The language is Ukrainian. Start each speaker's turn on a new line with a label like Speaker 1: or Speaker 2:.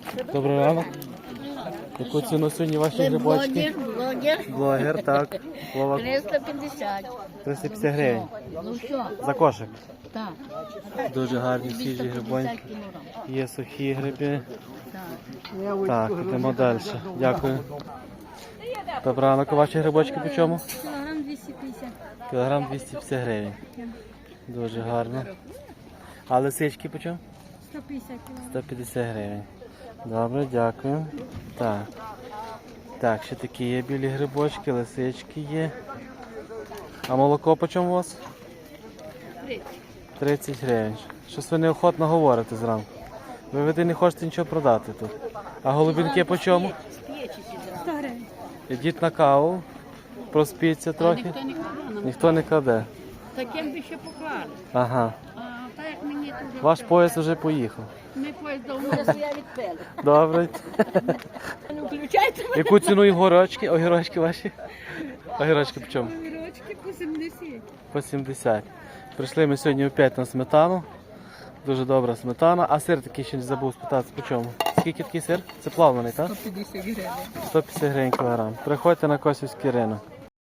Speaker 1: Добрий ранок. Яку ціну сьогодні ваші грибочки? Блогер, так. Вова.
Speaker 2: 350.
Speaker 1: 350 гривень.
Speaker 2: Ну що?
Speaker 1: За кошик.
Speaker 2: Так.
Speaker 1: Дуже гарні свіжі грибоньки. Є сухі гриби.
Speaker 2: Так.
Speaker 1: Так, йдемо далі. Дякую. Добрий ранок. Ваші грибочки по чому?
Speaker 2: Кілограм 250.
Speaker 1: Кілограм 250 гривень. Дуже гарно. А лисички по чому?
Speaker 2: 150 кілограм.
Speaker 1: 150 гривень. Добре, дякую. Так. Так, ще такі є білі грибочки, лисички є. А молоко по чому у вас? 30 гривень. Щось ви неохотно говорите зранку. Ви не хочете нічого продати тут. А голубінки по чому?
Speaker 2: 100 гривень.
Speaker 1: Ідіть на каву, проспіться трохи.
Speaker 2: Ніхто не кладе.
Speaker 1: Ніхто не кладе.
Speaker 2: Таким би ще поклали.
Speaker 1: Ага.
Speaker 2: А так як мені тут...
Speaker 1: Ваш поїзд вже поїхав.
Speaker 2: Ми поїзд давно я відпели.
Speaker 1: Добре.
Speaker 2: Не включайте мене.
Speaker 1: Яку ціну огірочки? Огірочки ваші? Огірочки по чому?
Speaker 2: Огірочки по 70.
Speaker 1: По 70. Прийшли ми сьогодні опять на сметану. Дуже добра сметана. А сир такий ще не забув спитати, по чому? Скільки такий сир? Це плавлений, так?
Speaker 2: 150 гривень.
Speaker 1: 150 гривень кілограм. Приходьте на Косівський ринок.